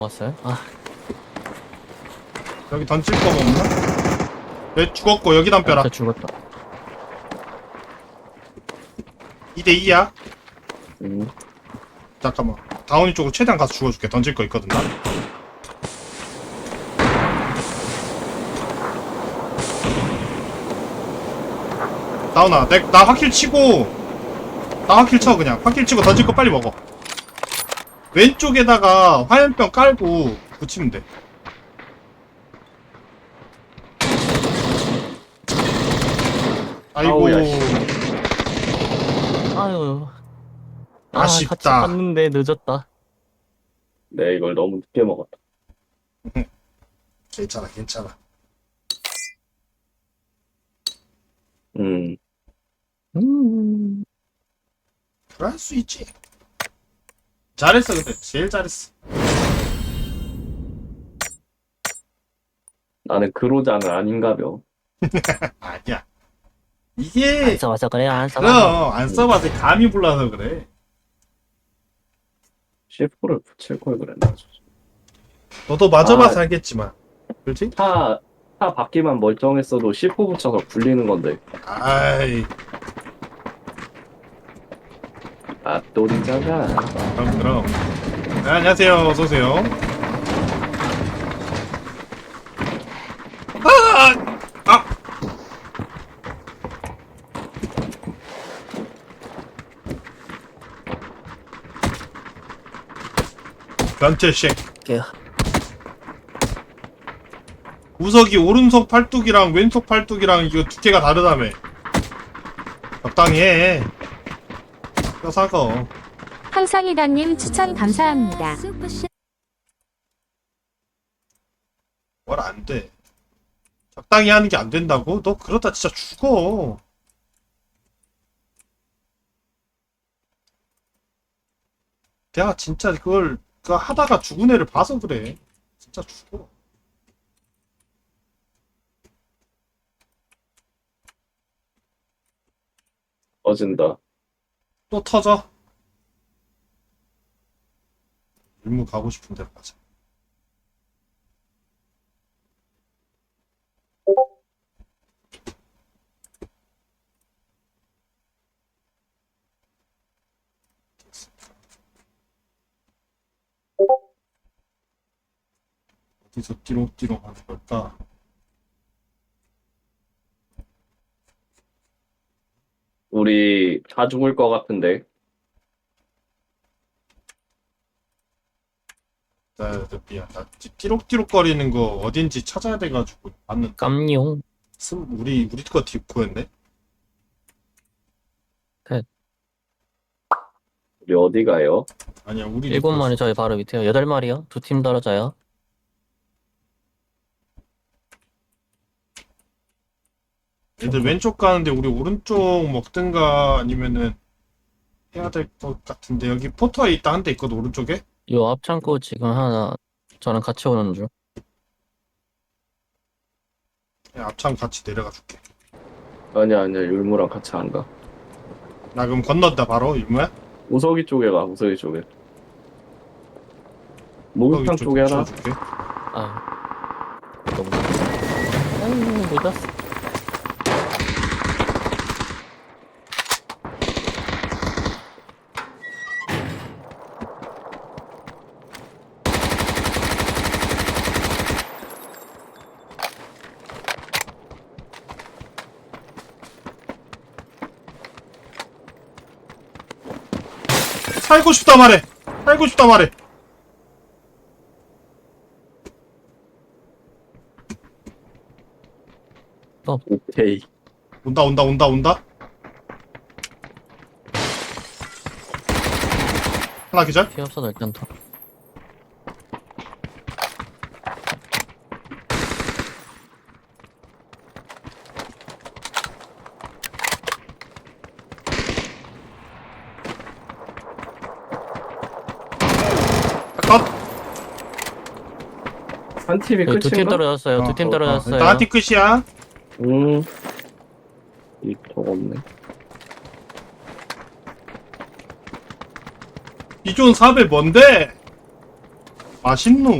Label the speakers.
Speaker 1: 왔어요? 아,
Speaker 2: 여기 던질 거가 없나? 왜 죽었고 여기 담벼라.
Speaker 1: 저 죽었다.
Speaker 2: 2대2야.
Speaker 3: 음.
Speaker 2: 잠깐만. 다운이 쪽으로 최대한 가서 죽어줄게. 던질 거 있거든 나. 다운아, 나 확킬 치고, 나 확킬 쳐 그냥. 확킬 치고 던질 거 빨리 먹어. 왼쪽에다가 화염병 깔고 붙이면 돼. 아이고.
Speaker 3: 아우야, 씨.
Speaker 1: 아유. 같이
Speaker 2: 아쉽다.
Speaker 1: 갔는데 늦었다.
Speaker 3: 내 이걸 너무 늦게 먹었다.
Speaker 2: 괜찮아, 괜찮아.
Speaker 3: 음.
Speaker 2: 그럴 수 있지. 잘했어, 근데 제일 잘했어.
Speaker 3: 나는 그로자는 아닌가벼.
Speaker 2: 아니야.
Speaker 1: 안
Speaker 2: 이게
Speaker 1: 써봐서 그래요, 안 써봐서.
Speaker 2: 그럼 안 써봐서 감이 불러서 그래.
Speaker 3: C4를 붙일 걸 그랬나.
Speaker 2: 너도 맞아봐서
Speaker 3: 아.
Speaker 2: 알겠지만, 그렇지?
Speaker 3: 차 바퀴만 멀쩡했어도 C4 붙여서 굴리는 건데.
Speaker 2: 아이,
Speaker 3: 앞돌이잖아.
Speaker 2: 그럼. 네, 안녕하세요, 어서 오세요. 아, 변태쉑.
Speaker 1: 게요.
Speaker 2: 우석이 오른손 팔뚝이랑 왼손 팔뚝이랑 이거 두께가 다르다며. 적당히 해. 뼈사거.
Speaker 4: 항상이다님 추천 감사합니다.
Speaker 2: 뭘 안 돼. 적당히 하는 게 안 된다고? 너 그러다 진짜 죽어. 내가 진짜 그걸 하다가 죽은 애를 봐서 그래. 진짜 죽어.
Speaker 3: 꺼진다.
Speaker 2: 또 터져. 일무 가고 싶은 데로 가자. 어디서 띠롱띠롱 하는 걸까?
Speaker 3: 우리 다 죽을 것 같은데.
Speaker 2: 미안. 나 띠록띠록거리는 거 어딘지 찾아야 돼가지고 봤는데.
Speaker 1: 깜용.
Speaker 2: 우리 거 뒷코였네?
Speaker 3: 우리 어디 가요?
Speaker 2: 아니야, 우리
Speaker 1: 7마리 저희 바로 밑에요. 8마리요. 2팀 떨어져요.
Speaker 2: 애들 왼쪽 가는데 우리 오른쪽 먹든가 아니면은 해야 될 것 같은데. 여기 포터에 있다 한 대 있거든, 오른쪽에?
Speaker 1: 요 앞창고 지금 하나 저랑 같이 오는 중.
Speaker 2: 그냥 앞참 같이 내려가 줄게.
Speaker 3: 아니야, 율무랑 같이 안 가.
Speaker 2: 나 그럼 건넌다 바로. 이모야?
Speaker 3: 우석이 쪽에 가, 우석이 쪽에. 목욕탕 쪽에 하나.
Speaker 2: 줄게.
Speaker 1: 아. 너무. 아유, 늦었어.
Speaker 2: 살고 싶다 말해. 살고 싶다 말해.
Speaker 3: 오케이.
Speaker 2: 온다. 하나 기절?
Speaker 1: 피 없어도 일단 더.
Speaker 2: 컷.
Speaker 3: 한 팀이
Speaker 1: 네, 2팀
Speaker 3: 끝인가?
Speaker 1: 떨어졌어요. 2팀 떨어졌어요.
Speaker 2: 일단 한팀 끝이야.
Speaker 3: 이쪽 없네.
Speaker 2: 비존 4배 뭔데? 맛있노.